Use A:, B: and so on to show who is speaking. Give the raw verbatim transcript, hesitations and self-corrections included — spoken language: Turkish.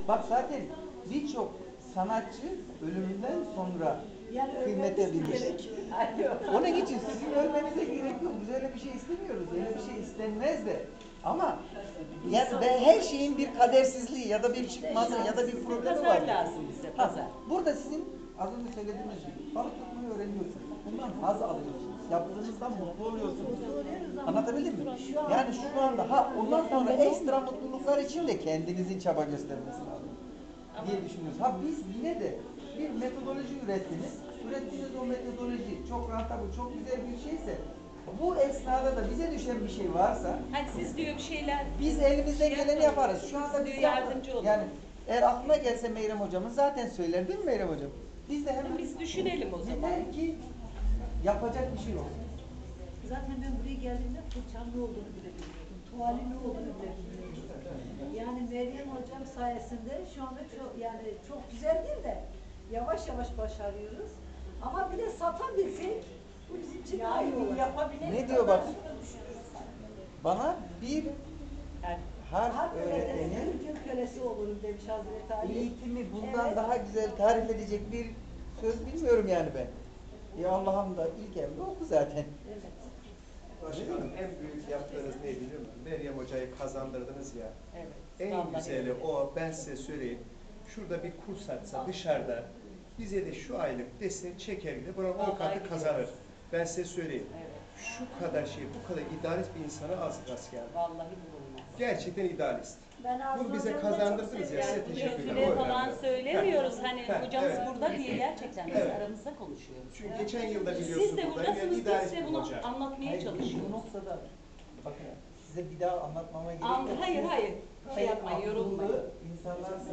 A: Bak zaten birçok sanatçı ölümünden sonra
B: Yani
A: kıymete
B: ölmemiz
A: bilir.
B: gerekiyor.
A: Onun için sizin ölmenize gerek yok. Biz öyle bir şey istemiyoruz. Öyle bir şey istenmez de. Ama yani ve her şeyin bir kadersizliği ya da bir çıkmazı ya da bir problemi var.
C: Pazar lazım bize,
A: Ha,
C: pazar.
A: burada sizin az önce söylediğiniz gibi balık tutmayı öğreniyorsunuz. Bundan haz alıyorsunuz. Yaptığınızdan mutlu oluyorsunuz. Anlatabildim mi? Yani şu anda ha ondan sonra ekstra mutluluklar için de kendinizin çaba göstermesi lazım diye düşünüyoruz. Ha biz yine de bir metodoloji ürettiniz. Ürettiğiniz o metodoloji çok rentable, çok güzel bir şeyse bu esnada da bize düşen bir şey varsa
C: Hani siz diyor bir şeyler...
A: biz elimizden
C: şey
A: geleni
C: yapmayın.
A: yaparız. Şu anda
C: Siz
A: biz
C: diyor
A: yaptık.
C: yardımcı olun.
A: Yani eğer aklına gelse Meyrem hocamın zaten söyler değil mi Meyrem hocam? Biz de hemen
C: Biz düşünelim o zaman.
A: yeter ki yapacak bir şey olsun.
B: Zaten ben buraya geldiğimde fırçam ne olduğunu bile bilmiyordum. Tuvalin ne olduğunu bile bilmiyordum. Yani Meryem hocam sayesinde şu anda çok yani çok güzel değil de yavaş yavaş başarıyoruz. Ama bir de satabilsek bu bizim için daha iyi olur.
A: Ne diyor bak? Bana bir
C: Yani
A: harf
B: Harp öğretmenin
A: öğretenin
B: Türk kölesi olurum demiş Hazreti Ali.
A: eğitimi bundan
B: Evet.
A: daha güzel tarif edecek bir söz bilmiyorum yani ben. Ya Allah'ım da ilk emri oku zaten.
B: Evet.
D: Başkanım en büyük yaptığınız ne biliyor musun? Meryem Hoca'yı kazandırdınız ya.
C: evet.
D: En
C: Vallahi
D: güzeli
C: öyle.
D: o, ben size söyleyeyim. Şurada bir kurs açsa dışarıda bize de şu aylık dese çeker bile buranın on
C: Vallahi
D: katı
C: gidiyoruz.
D: kazanır. Ben size söyleyeyim.
C: Evet.
D: Şu kadar şey, bu kadar idealist bir insana az rast geldi.
C: Vallahi bulunmaz.
D: Gerçekten idealist.
B: Ben Arzu
D: Bunu bize
B: hocamı da çok
D: kazandırdınız ya,
C: Yani
D: size
C: bu
D: teşekkürler.
C: kötüle
D: O
C: falan
D: önemli.
C: söylemiyoruz.
D: Heh.
C: Hani
D: Heh,
C: hocamız
D: evet.
C: burada diye gerçekten biz
D: Evet.
C: aramızda konuşuyoruz.
D: Çünkü geçen yılda biliyorsunuz
C: Siz de
D: burada
C: buradasınız,
D: bir
C: biz
D: idealist
C: de
D: bir
C: bunu
D: hoca.
C: anlatmaya
A: Hayır, bu
C: çalışıyoruz.
A: noktada bakın size bir daha anlatmama gerek
C: An-
A: yok.
C: hayır,
A: Siz
C: hayır. Şey
A: en
C: yapmayın,
A: akıllı
C: yorulmayın.
A: insanlarsınız.